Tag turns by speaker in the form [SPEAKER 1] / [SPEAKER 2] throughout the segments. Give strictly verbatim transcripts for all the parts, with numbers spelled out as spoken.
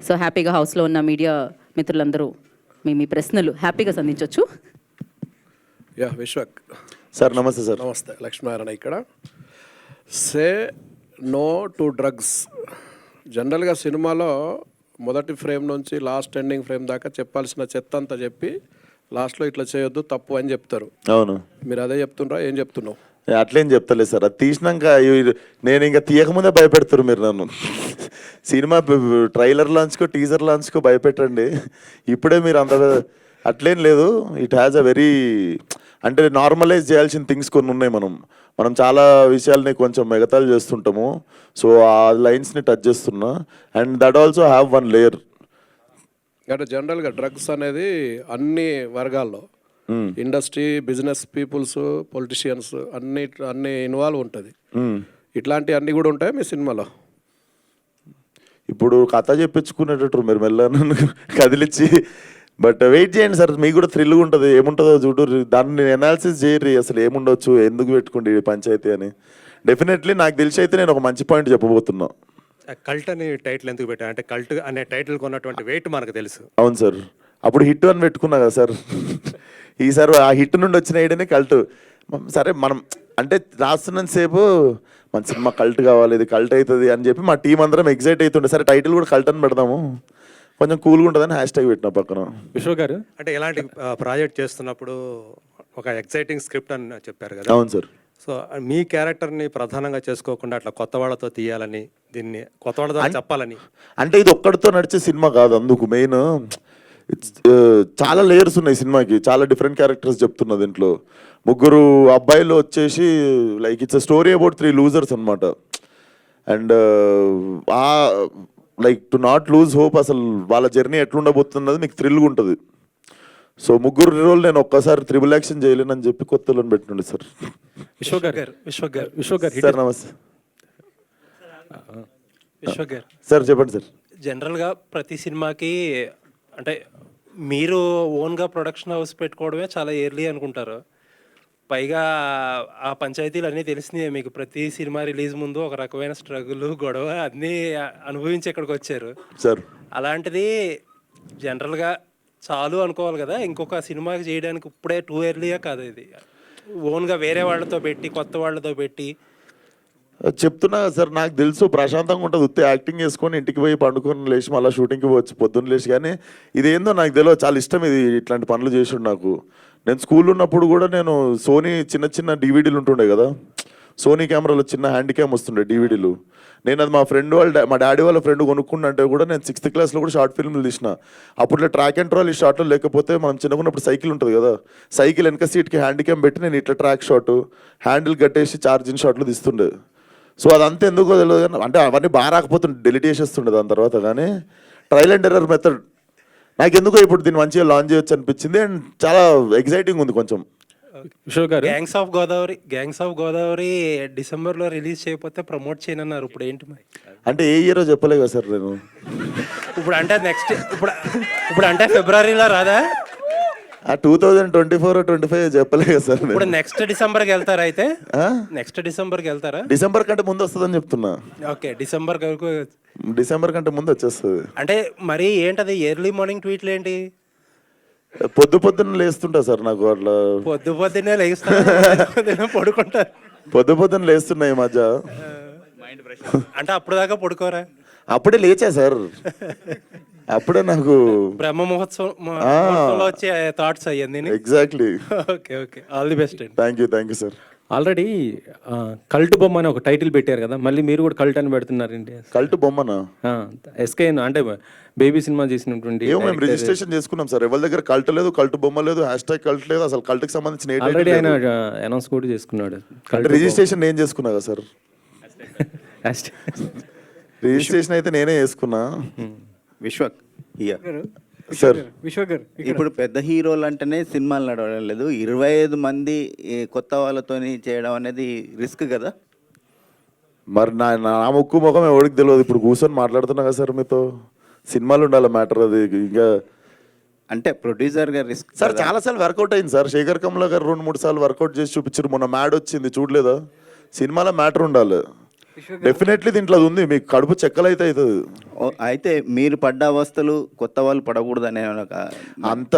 [SPEAKER 1] So హ్యాపీగా హౌస్లో ఉన్న మీడియా మిత్రులందరూ మీ మీ ప్రశ్నలు హ్యాపీగా సంధించవచ్చు.
[SPEAKER 2] Yeah Vishwak
[SPEAKER 3] sir namaste sir.
[SPEAKER 2] Namaste, Lakshminarayana ఇక్కడ. Say no to drugs. జనరల్గా సినిమాలో మొదటి ఫ్రేమ్ నుంచి లాస్ట్ ఎండింగ్ ఫ్రేమ్ దాకా చెప్పాల్సిన చెత్త అంతా చెప్పి లాస్ట్లో ఇట్లా చేయొద్దు తప్పు అని చెప్తారు.
[SPEAKER 3] అవును,
[SPEAKER 2] మీరు అదే చెప్తుండ్రా, ఏం చెప్తున్నావు?
[SPEAKER 3] అట్లేం చెప్తలేదు సార్. అది తీసినాక నేను ఇంకా తీయకముందే భయపెడతారు మీరు నన్ను. సినిమా ట్రైలర్ లాంచ్కో టీజర్ లాంచ్కో భయపెట్టండి, ఇప్పుడే మీరు అంత అట్లేం లేదు. ఇట్ హ్యాస్ అ వెరీ అంటే నార్మలైజ్ చేయాల్సిన థింగ్స్ కొన్ని ఉన్నాయి. మనం మనం చాలా విషయాల్ని కొంచెం ఎగతాళి చేస్తుంటాము. సో ఆ లైన్స్ని టచ్ చేస్తున్నా. And that also have one layer.
[SPEAKER 2] అంటే జనరల్గా డ్రగ్స్ అనేది అన్ని వర్గాల్లో ఇండస్ట్రీ, బిజినెస్ పీపుల్స్, పొలిటీషియన్స్ అన్ని అన్ని ఇన్వాల్వ్ ఉంటుంది. ఇట్లాంటి అన్ని కూడా ఉంటాయి మీ సినిమాలో?
[SPEAKER 3] ఇప్పుడు కథ చెప్పించుకునేటట్టు మీరు మెల్ల కదిలిచ్చి, బట్ వెయిట్ చేయండి సార్, మీకు కూడా థ్రిల్గా ఉంటుంది. ఏముంటుందో చూడు, దాన్ని ఎనాలిసిస్ చేయరు అసలు ఏముండొచ్చు, ఎందుకు పెట్టుకోండి పంచాయతీ అని. డెఫినెట్లీ నాకు తెలిసి అయితే నేను ఒక మంచి పాయింట్ చెప్పబోతున్నా.
[SPEAKER 4] కల్ట్ అని టైటిల్ ఎందుకు పెట్టాను అంటే కల్ట్ అనే టైటిల్ కొన్నటువంటి వెయిట్ మనకు తెలుసు.
[SPEAKER 3] అవును సార్, అప్పుడు హిట్ అని పెట్టుకున్నా కదా సార్. ఈసారి ఆ హిట్ నుండి వచ్చిన ఐడియానే కల్ట్. సరే మనం అంటే రాస్తున్నంత సేపు మన సినిమా కల్ట్ కావాలి, ఇది కల్ట్ అవుతుంది అని చెప్పి మా టీం అందరం ఎగ్జైట్ అవుతుండే. సరే టైటిల్ కూడా కల్ట్ అని పెడదాము, కొంచెం కూల్గా ఉంటుందని హ్యాష్ ట్యాగ్ పెట్టిన పక్కన.
[SPEAKER 5] విశ్వ గారు
[SPEAKER 4] అంటే ఇలాంటి ప్రాజెక్ట్ చేస్తున్నప్పుడు ఒక ఎక్సైటింగ్ స్క్రిప్ట్ అని చెప్పారు కదా.
[SPEAKER 3] అవును సార్.
[SPEAKER 4] సో మీ క్యారెక్టర్ని ప్రధానంగా చేసుకోకుండా అట్లా కొత్త వాళ్ళతో తీయాలని, దీన్ని కొత్త వాళ్ళతో చెప్పాలని.
[SPEAKER 3] అంటే ఇది ఒక్కడితో నడిచే సినిమా కాదు, అందుకు మెయిన్ చాలా లేయర్స్ ఉన్నాయి సినిమాకి, చాలా డిఫరెంట్ క్యారెక్టర్స్ చెప్తున్నా దీంట్లో. ముగ్గురు అబ్బాయిలు వచ్చేసి like it's a story about three losers అనమాట. And uh like to not lose hope, అసలు వాళ్ళ జర్నీ ఎట్లుండబోతున్నది మీకు థ్రిల్గా ఉంటుంది. సో ముగ్గురు రోజులు నేను ఒక్కసారి త్రిబుల్ యాక్షన్ చేయలేనని చెప్పి కొత్తలను పెట్టినండి సార్.
[SPEAKER 5] విశ్వ గారు విశ్వ గారు విశ్వ గారు
[SPEAKER 3] సార్ నమస్తే.
[SPEAKER 6] విశ్వ గారు
[SPEAKER 3] సార్ చెప్పండి సార్.
[SPEAKER 6] జనరల్గా ప్రతి సినిమాకి అంటే మీరు ఓన్గా ప్రొడక్షన్ హౌస్ పెట్టుకోవడమే చాలా ఎర్లీ అనుకుంటారు. పైగా ఆ పంచాయతీలు అన్నీ తెలిసినాయి మీకు. ప్రతి సినిమా రిలీజ్ ముందు ఒక రకమైన స్ట్రగుల్, గొడవ అన్నీ అనుభవించి ఇక్కడికి వచ్చారు
[SPEAKER 3] సార్.
[SPEAKER 6] అలాంటిది జనరల్గా చాలు అనుకోవాలి కదా, ఇంకొక సినిమాకి చేయడానికి ఇప్పుడే టూ ఎర్లీయా కాదు ఇది? ఓన్గా వేరే వాళ్ళతో పెట్టి, కొత్త వాళ్ళతో పెట్టి
[SPEAKER 3] చెప్తున్నా సార్, నాకు తెలుసు ప్రశాంతంగా ఉంటుంది, ఉత్తే యాక్టింగ్ చేసుకొని ఇంటికి పోయి పండుకొని లేచి మళ్ళీ షూటింగ్కి పోవచ్చు పొద్దున్న లేచి. కానీ ఇదేందో నాకు తెలియదు, చాలా ఇష్టం ఇది, ఇట్లాంటి పనులు చేసి నాకు. నేను స్కూల్లో ఉన్నప్పుడు కూడా నేను సోనీ చిన్న చిన్న డీవీడీలు ఉంటుండే కదా, సోనీ కెమెరాలో చిన్న హ్యాండ్ క్యామ్ వస్తుండే డీవీడీలు. నేను అది మా ఫ్రెండ్ వాళ్ళ మా డాడీ వాళ్ళ ఫ్రెండ్ కొనుక్కుంటే కూడా నేను సిక్స్త్ క్లాస్లో కూడా షార్ట్ ఫిల్మ్లు తీసిన. అప్పుడు ట్రాక్ అండ్ ట్రాల్ ఈ షార్ట్లో లేకపోతే మనం చిన్నకున్నప్పుడు సైకిల్ ఉంటుంది కదా, సైకిల్ వెనక సీట్కి హ్యాండ్ క్యామ్ పెట్టి నేను ఇట్లా ట్రాక్ షాట్, హ్యాండిల్ కట్టేసి ఛార్జింగ్ షాట్లు తీస్తుండే. సో అదంతా ఎందుకో తెలియదు కానీ, అంటే అవన్నీ బాగా రాకపోతుండే, డెలిట్ చేసేస్తుండే దాని తర్వాత. కానీ ట్రయల్ అండ్ ఎర్రర్ మెథడ్ నాకు ఎందుకో ఇప్పుడు దీన్ని మంచిగా లాంచ్ చేయొచ్చు అనిపించింది. అండ్ చాలా ఎక్సైటింగ్ ఉంది కొంచెం.
[SPEAKER 5] విశ్వ గారు
[SPEAKER 6] gangs of Godavari gangs of Godavari డిసెంబర్లో రిలీజ్ చేయకపోతే ప్రమోట్ చేయనన్నారు. ఇప్పుడు ఏంటి మరి?
[SPEAKER 3] అంటే ఏ ఇయరో చెప్పలే కదా సార్ నేను.
[SPEAKER 6] ఇప్పుడు అంటే నెక్స్ట్ ఇప్పుడు ఇప్పుడు అంటే ఫిబ్రవరిలో రాదా?
[SPEAKER 3] ఆ two thousand twenty four twenty five చెప్పలే కదా సార్.
[SPEAKER 6] ఇప్పుడు నెక్స్ట్ డిసెంబర్కి వెళ్తారా? అయితే నెక్స్ట్ డిసెంబర్కి వెళ్తారా?
[SPEAKER 3] డిసెంబర్ కంటే ముందు వస్తుందని చెప్తున్నా.
[SPEAKER 6] ఓకే, డిసెంబర్ వరకు.
[SPEAKER 3] డిసెంబర్ కంటే ముందు వచ్చేస్తుంది.
[SPEAKER 6] అంటే మరి ఏంటది ఎర్లీ మార్నింగ్ ట్వీట్లు ఏంటి?
[SPEAKER 3] పొద్దు పొద్దున్న లేస్తుంటా సార్, నాకు అట్లా
[SPEAKER 6] పొద్దు పొద్దున్నే లేస్తా పడుకుంటా.
[SPEAKER 3] పొద్దు పొద్దున్న లేస్తున్నా ఈ మధ్య.
[SPEAKER 6] అంటే అప్పుడు దాకా పడుకోరా?
[SPEAKER 3] అప్పుడే లేచా సార్, అప్పుడే నాకు
[SPEAKER 6] బ్రహ్మ మహోత్సవం వచ్చే థాట్స్ అయ్యింది.
[SPEAKER 3] Exactly.
[SPEAKER 6] Okay okay, all the best అండి.
[SPEAKER 3] Thank you thank you sir.
[SPEAKER 5] Already cult బొమ్మ అని ఒక టైటిల్ పెట్టారు కదా, మళ్ళీ మీరు కూడా కల్ట్ అని పెడుతున్నారండి.
[SPEAKER 3] కల్ట్ బొమ్మనా?
[SPEAKER 5] ఎస్కే అంటే బేబీ సినిమా చేసినటువంటి.
[SPEAKER 3] ఏమో మేము రిజిస్ట్రేషన్ చేసుకున్నాం సార్, ఎవరి దగ్గర కల్ట్ లేదు, కల్ట్ బొమ్మ లేదు, హ్యాష్ ట్యాగ్ కల్ట్ లేదు, అసలు కల్ట్కి సంబంధించిన
[SPEAKER 5] ఆల్రెడీ ఆయన అనౌన్స్ కూడా చేసుకున్నాడు.
[SPEAKER 3] రిజిస్ట్రేషన్ నేను చేసుకున్నా కదా సార్. రిజిస్ట్రేషన్ అయితే నేనే చేసుకున్నా.
[SPEAKER 7] విశ్వక్
[SPEAKER 3] సార్.
[SPEAKER 7] ఇప్పుడు పెద్ద హీరోలు అంటేనే సినిమాలు నడవడం లేదు, ఇరవై ఐదు మంది కొత్త వాళ్ళతో చేయడం అనేది రిస్క్ కదా.
[SPEAKER 3] మరి నా నా ముక్కు ముఖం ఎవరికి తెలియదు, ఇప్పుడు కూర్చొని మాట్లాడుతున్నా కదా సార్ మీతో. సినిమాలు ఉండాలి మ్యాటర్ అది. ఇంకా
[SPEAKER 7] అంటే ప్రొడ్యూసర్ గారు రిస్క్
[SPEAKER 3] సార్ చాలా సార్లు వర్కౌట్ అయింది సార్. శేఖర్ కమలా గారు రెండు మూడు సార్లు వర్కౌట్ చేసి చూపించారు. మొన్న మ్యాడ్ వచ్చింది చూడలేదా? సినిమాలో మ్యాటర్ ఉండాలి. డెఫినెట్లీ దీంట్లో అది ఉంది, మీకు కడుపు చెక్కలు అయితే అవుతుంది.
[SPEAKER 7] ఓ, అయితే మీరు పడ్డ అవస్థలు కొత్త వాళ్ళు పడకూడదనే ఒక
[SPEAKER 3] అంత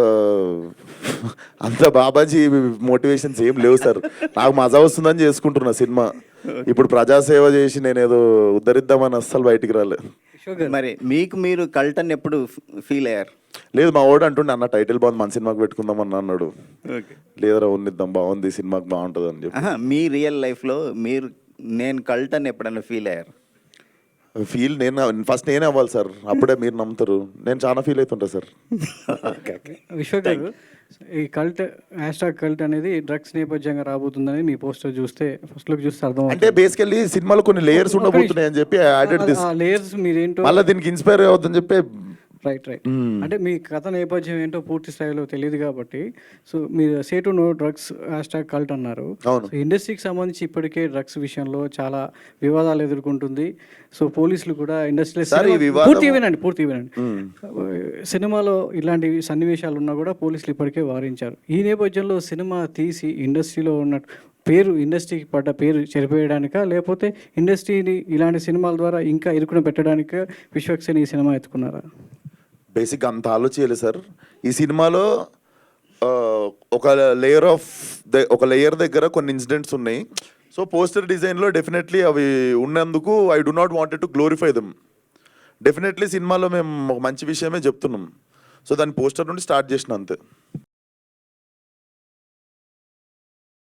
[SPEAKER 3] అంత బాబాజీ మోటివేషన్స్ ఏం లేవు సార్. నాకు మజా వస్తుందని చేసుకుంటున్నా సినిమా. ఇప్పుడు ప్రజాసేవ చేసి నేను ఏదో ఉద్ధరిద్దామని అస్సలు బయటికి రాలేదు.
[SPEAKER 7] మరి మీకు మీరు కల్టన్ ఎప్పుడు ఫీల్ అయ్యారు?
[SPEAKER 3] లేదు, మా ఓడు అంటుండే అన్న టైటిల్ బాగుంది మన సినిమాకి పెట్టుకుందాం అన్న అన్నాడు. లేదరా ఉన్నిద్దాం బాగుంది సినిమాకి బాగుంటుంది అని చెప్పి.
[SPEAKER 7] ఆహా, మీ రియల్ లైఫ్లో మీరు నేను కల్టన్ ఎప్పుడైనా ఫీల్ అయ్యారు?
[SPEAKER 3] ఫీల్ నేను ఫస్ట్ నేనే అవ్వాలి సార్, అప్పుడే మీరు నమ్ముతారు. నేను చాలా ఫీల్ అవుతుంటా సార్.
[SPEAKER 8] విశ్వ గారు, ఈ కల్ట్ హ్యాష్ ట్యాగ్ కల్ట్ అనేది డ్రగ్స్ నేపథ్యంగా రాబోతుందని మీ పోస్టర్ చూస్తే ఫస్ట్ లుక్ చూస్తే అర్థం
[SPEAKER 3] అంటే బేసికల్లీ సినిమాలో కొన్ని లేయర్స్ ఉండబోతున్నాయి అని చెప్పి యాడెడ్ దిస్.
[SPEAKER 8] లేయర్స్ మీరేంటో
[SPEAKER 3] మళ్ళీ దీనికి ఇన్స్పైర్ అవుతుందని చెప్పి.
[SPEAKER 8] రైట్ రైట్ అంటే మీ కథ నేపథ్యం ఏంటో పూర్తి స్థాయిలో తెలియదు కాబట్టి, సో మీరు say to no drugs hashtag cult అన్నారు.
[SPEAKER 3] అవును.
[SPEAKER 8] సో ఇండస్ట్రీకి సంబంధించి ఇప్పటికే డ్రగ్స్ విషయంలో చాలా వివాదాలు ఎదుర్కొంటుంది. సో పోలీసులు కూడా ఇండస్ట్రీలో
[SPEAKER 3] సార్, ఈ వివాదం-
[SPEAKER 8] పూర్తి వినండి పూర్తి వినండి సినిమాలో ఇలాంటి సన్నివేశాలు ఉన్నా కూడా పోలీసులు ఇప్పటికే వారించారు. ఈ నేపథ్యంలో సినిమా తీసి ఇండస్ట్రీలో ఉన్న పేరు, ఇండస్ట్రీకి పడ్డ పేరు చెరిపేయడానికా, లేకపోతే ఇండస్ట్రీని ఇలాంటి సినిమాల ద్వారా ఇంకా ఇరుకున పెట్టడానికా విశ్వక్సేన్ ఈ సినిమా ఎత్తుకున్నారా?
[SPEAKER 3] బేసిక్గా అంత ఆలోచించాలి సార్. ఈ సినిమాలో ఆ, ఒక లేయర్ ఆఫ్ ఒక లేయర్ దగ్గర కొన్ని ఇన్సిడెంట్స్ ఉన్నాయి. సో పోస్టర్ డిజైన్లో డెఫినెట్లీ అవి ఉన్నందుకు I do not wanted to glorify them. Definitely సినిమాలో మేము ఒక మంచి విషయమే చెప్తున్నాం. సో దాని పోస్టర్ నుండి స్టార్ట్ చేసిన అంతే.